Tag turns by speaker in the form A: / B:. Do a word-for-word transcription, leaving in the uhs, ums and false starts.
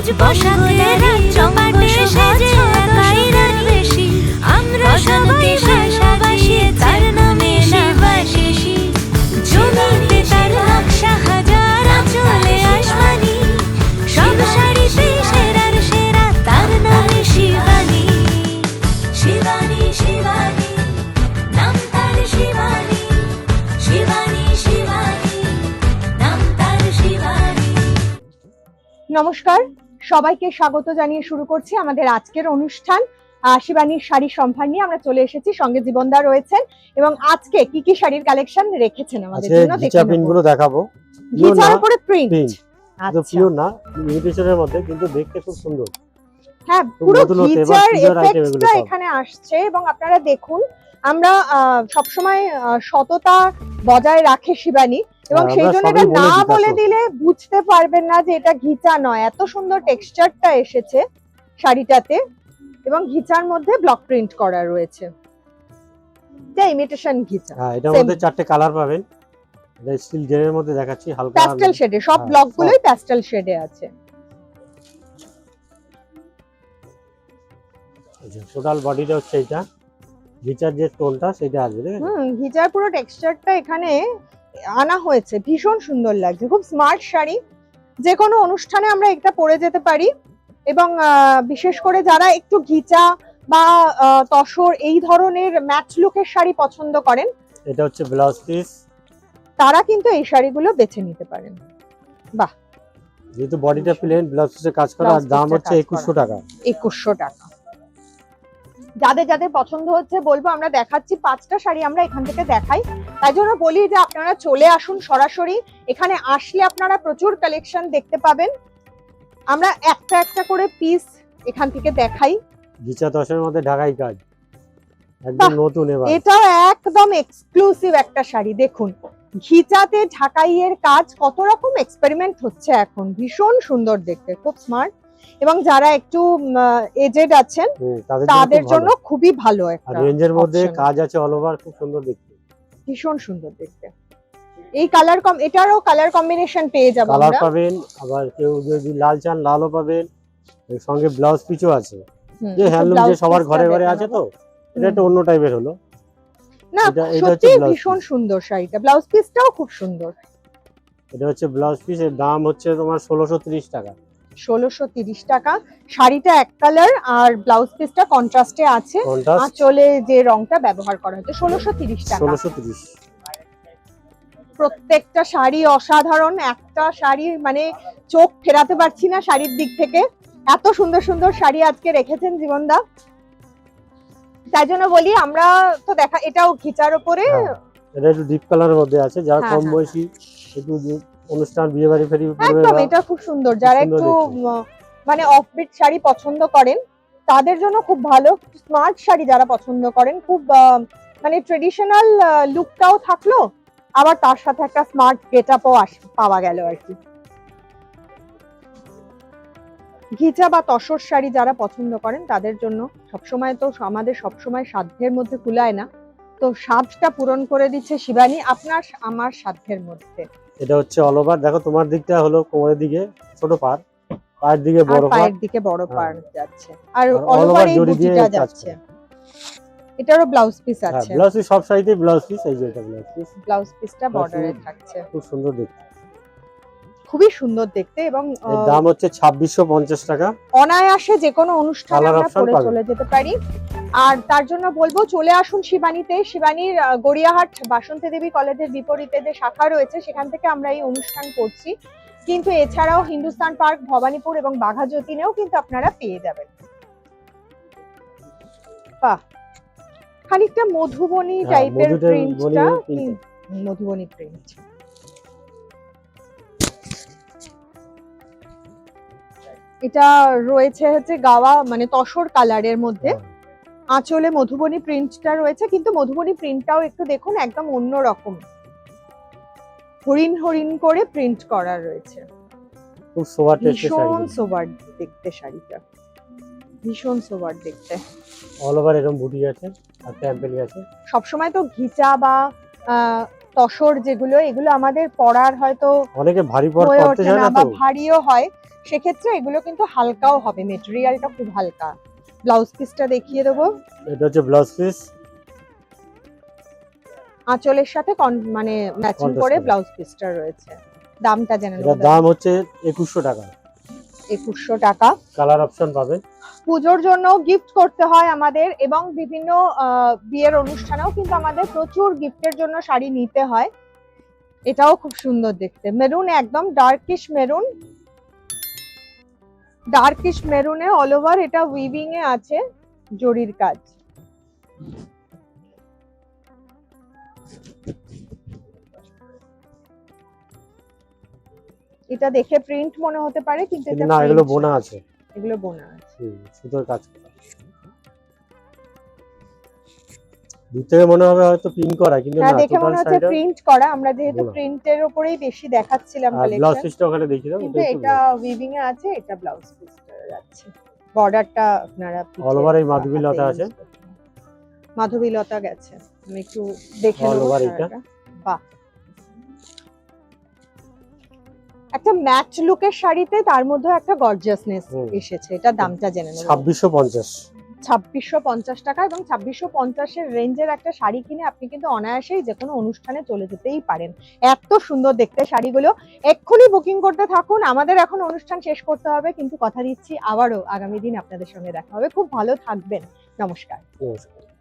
A: সাজ পোশাকে চম্পাটে সেজে একাই রানী আমরা সবাই ভালোবাসি তার নামে শিবাশিসি জমিতে তার নকশা হাজার চলে আসমানি সব শাড়িতে সেরার সেরা তার নামে শিবানী শিবানী শিবানী নাম তার শিবানী শিবানী শিবানী নাম তার শিবানী।
B: নমস্কার, সবাইকে স্বাগত জানিয়ে শুরু করছি আমাদের আজকের অনুষ্ঠান। শিবানীর শাড়ি সম্ভার নিয়ে আমরা চলে এসেছি, সঙ্গে জীবনদা রয়েছেন এবং আজকে কি কি শাড়ির কালেকশন রেখেছেন আমাদের জন্য
C: ঘিচা প্রিন্ট গুলো দেখাবো।
B: ঘিচার উপরে প্রিন্ট,
C: আচ্ছা পিওর না, ইমিটেশনের মধ্যে, কিন্তু দেখতে খুব সুন্দর।
B: হ্যাঁ, পুরো ঘিচার এফেক্টটা এখানে আসছে এবং আপনারা দেখুন আমরা সব সময় সততা বজায় রাখে শিবানী এবং সেই জন্য এটা না বলে দিলে বুঝতে পারবেন না যে এটা ঘিচা নয়। এত সুন্দর টেক্সচারটা এসেছে শাড়িটাতে এবং ঘিচার মধ্যে ব্লক প্রিন্ট করা রয়েছে। এটা ইমিটেশন ঘিচা।
C: হ্যাঁ, এটার মধ্যে চারটে কালার পাবেন। এটা স্টিল জেনের মধ্যে দেখাচ্ছি, হালকা
B: প্যাস্টেল শেডে, সব ব্লক গুলোই প্যাস্টেল শেডে আছে।
C: টোটাল বডিটা হচ্ছে এটা, ঘিচার যে টোনটা সেটা আসবে। দেখেন
B: হুম, ঘিচার পুরো টেক্সচারটা এখানে আনা হয়েছে, ভীষণ সুন্দর লাগছে, খুব স্মার্ট শাড়ি। যে কোনো অনুষ্ঠানে আমরা এটা পরে যেতে পারি এবং বিশেষ করে যারা একটু ঘিচা বা তসর এই ধরনের ম্যাচ লুকের শাড়ি পছন্দ করেন,
C: এটা হচ্ছে ব্লাউজ পিস,
B: তারা কিন্তু এই শাড়িগুলো বেছে নিতে পারেন। বাহ,
C: যেহেতু বডিটা প্লেন, ব্লাউজ পিসে কাজ করা, আর দাম হচ্ছে একুশশো টাকা।
B: একুশশো টাকা। যাদের যাদের পছন্দ হচ্ছে বলবো, আমরা দেখাচ্ছি পাঁচটা শাড়ি, আমরা এখান থেকে দেখাই, তাই জন্য বলি যে আপনারা চলে আসুন সরাসরি। এখানে আসলে আপনারা প্রচুর কালেকশন দেখতে পাবেন। আমরা একটা একটা করে পিস এখান থেকে দেখাই।
C: ঘিচা তসরের মধ্যে ঢাকাই কাজ, একদম নতুন। এবার
B: এটা একদম এক্সক্লুসিভ একটা শাড়ি। দেখুন ঘিচাতে ঢাকাইয়ের কাজ, কত রকম এক্সপেরিমেন্ট হচ্ছে এখন, ভীষণ সুন্দর দেখতে, খুব স্মার্ট। এবং যারা একটু এজেড আছেন তাদের জন্য খুবই ভালো একটা
C: রেঞ্জের মধ্যে কাজ আছে, অল ওভার, খুব সুন্দর দেখতে,
B: ভীষণ সুন্দর দেখতে। এই কালার কম, এটারও কালার কম্বিনেশন পেয়ে যাবো আমরা,
C: কালার পাবেন। আবার কেউ যদি লাল চান লালও পাবেন, এর সঙ্গে ব্লাউজ পিসও আছে। যে হ্যান্ডলুম যে সবার ঘরে ঘরে আছে, তো এটা একটা অন্য টাইপের হলো
B: না, সত্যি ভীষণ সুন্দর শাড়িটা। ব্লাউজ পিসটাও খুব সুন্দর।
C: এটা হচ্ছে ব্লাউজ পিস, এর দাম হচ্ছে তোমার ষোলোশো তিরিশ টাকা।
B: ষোলোশো তিরিশ টাকা। শাড়িটা এক কালার আর ব্লাউজ পিসটা কন্ট্রাস্টে আছে, আঁচলে যে রংটা ব্যবহার করা হয়েছে। ষোলোশো তিরিশ টাকা।
C: ষোলোশো তিরিশ।
B: প্রত্যেকটা শাড়ি অসাধারণ, একটা শাড়ি মানে চোখ ফেরাতে পারছি না শাড়ির দিক থেকে, এত সুন্দর সুন্দর শাড়ি আজকে রেখেছেন জীবনদা। তাই জন্য বলি আমরা তো দেখা, এটাও ঘিচার উপরে,
C: এটা একটু ডিপ কালারের মধ্যে আছে। যারা কম বয়সী, একটু অনুষ্ঠান, বিয়ে বাড়ি ফেরি,
B: একদম এটা খুব সুন্দর। যারা একটু মানে অফবিট শাড়ি পছন্দ করেন তাদের জন্য খুব ভালো। স্মার্ট শাড়ি যারা পছন্দ করেন, খুব মানে ট্রেডিশনাল লুকটাও থাকলো, আবার তার সাথে একটা স্মার্ট গেটআপও পাওয়া গেল আর কি। ঘিচা বা তসর শাড়ি যারা পছন্দ করেন তাদের জন্য সবসময়, তো আমাদের সবসময় সাধ্যের মধ্যে কুলায় না, তো সাধ্যটা পূরণ করে দিচ্ছে শিবানী আপনার আমার সাধ্যের মধ্যে।
C: এটা হচ্ছে অল ওভার। দেখো তোমার দিকটা হলো কোমরের দিকে ছোট পার, পায়ের দিকে বড় পার,
B: পায়ের দিকে বড় পার যাচ্ছে, আর অল ওভার এই বুটিটা যাচ্ছে। এটারও ব্লাউজ পিস আছে।
C: ব্লাউজ পিস সব শাড়িতে ব্লাউজ পিস, এই যে এটা ব্লাউজ পিস,
B: ব্লাউজ পিসটা বর্ডারে থাকছে,
C: খুব সুন্দর দেখতে,
B: খুবই সুন্দর দেখতে। এবং
C: এর দাম হচ্ছে ছাব্বিশশো পঞ্চাশ টাকা।
B: অনায়াসে যে কোনো অনুষ্ঠানে আমরা পরে চলে যেতে পারি। আর তার জন্য বলবো চলে আসুন শিবানীতে। শিবানীর গড়িয়াহাট বাসন্তী দেবী কলেজের বিপরীতে যে শাখা রয়েছে সেখান থেকে আমরা এই অনুষ্ঠান করছি, কিন্তু এছাড়াও হিন্দুস্তান পার্ক, ভবানীপুর এবং বাঘা যতীনেও কিন্তু আপনারা পেয়ে যাবেন। বাহ, খানিকটা মধুবনী টাইপের প্রিন্টটা, মধুবনী প্রিন্ট। এটা রয়েছে হচ্ছে গাওয়া মানে তসর কালারের মধ্যে, আঁচলে মধুবনী প্রিন্টটা রয়েছে, কিন্তু মধুবনী প্রিন্টটাও একটু দেখুন একদম অন্য রকম, হরিণ হরিণ করে প্রিন্ট করা রয়েছে।
C: খুব সোবার টেস্টের শাড়ি,
B: ভীষণ সোবার দেখতে শাড়িটা, ভীষণ সোবার দেখতে।
C: অল ওভার এরকম বুটি আছে আর টেম্পেল আছে।
B: সব সময় তো ঘিচা বা তসর যেগুলো, এগুলো আমাদের পরার হয়তো
C: অনেকে ভারী পর করতে চায় না, তো
B: ভারীও হয়, সেক্ষেত্রে এগুলো কিন্তু হালকাও হবে, মেটেরিয়ালটা খুব হালকা। ব্লাউজ পিসটা দেখিয়ে দেবো।
C: এটা হচ্ছে ব্লাউজ পিস,
B: আঁচলের সাথে কন- মানে ম্যাচিং
C: Contrast
B: করে
C: করে।
B: ব্লাউজ পিসটা রয়েছে। দামটা জেনে
C: এটার
B: নেবো।
C: দাম হচ্ছে একুশশো টাকা।
B: একুশশো টাকা।
C: কালার অপশন পাবেন।
B: পুজোর জন্য গিফট করতে হয় আমাদের, এবং বিভিন্ন আহ, বিয়ের অনুষ্ঠানেও কিন্তু আমাদের প্রচুর গিফটের জন্য শাড়ি নিতে হয়। এটাও খুব সুন্দর দেখতে, মেরুন, একদম ডার্কিশ মেরুন। ডার্কিশ মেরুনে অল ওভার এটা উইভিং এ আছে জরির কাজ। এটা দেখে প্রিন্ট মনে হতে পারে, কিন্তু এটা
C: না, এগুলো
B: print
C: বোনা
B: না।
C: আছে।
B: এগুলো বোনা আছে।
C: হুম, সুতোর কাজ করা। দূর থেকে মনে হবে হয়তো প্রিন্ট করা, কিন্তু
B: হ্যাঁ,
C: না,
B: দেখে
C: টোটাল
B: মনে হচ্ছে
C: শাড়িটা।
B: প্রিন্ট করা। আমরা যেহেতু
C: বোনা।
B: প্রিন্টের উপরেই বেশি দেখাচ্ছিলাম
C: আর ব্লাউজ
B: কালেকশন,
C: পিসটা ওখানে দেখিয়ে দাও।
B: কিন্তু এটা উইভিং এ আছে, এটা ব্লাউজ পিসটা যাচ্ছে। বর্ডারটা আপনারা পিছে
C: All over এই
B: বা
C: মাধবী
B: হাতে
C: লতা
B: use
C: আছে।
B: করতে পারেন। মাধবী লতা গেছে, আমি একটু দেখে
C: All
B: নেবো
C: over এটা।
B: শাড়িটা। বাহ, একটা ম্যাচ লুকের শাড়িতে তার মধ্যে একটা গর্জিয়াসনেস
C: হুম।
B: এসেছে। এটা দামটা জেনে নেবো।
C: ছাব্বিশশো পঞ্চাশ।
B: ছাব্বিশশো পঞ্চাশ টাকা, এবং ছাব্বিশশো পঞ্চাশের রেঞ্জের একটা শাড়ি কিনে আপনি কিন্তু অনায়াসেই যে কোনো অনুষ্ঠানে চলে যেতেই পারেন। এত সুন্দর দেখতে শাড়িগুলো। এক্ষুনি বুকিং করতে থাকুন। আমাদের এখন অনুষ্ঠান শেষ করতে হবে, কিন্তু কথা দিচ্ছি আবারও আগামী দিন আপনাদের সঙ্গে দেখা হবে। খুব ভালো থাকবেন। নমস্কার।
C: নমস্কার।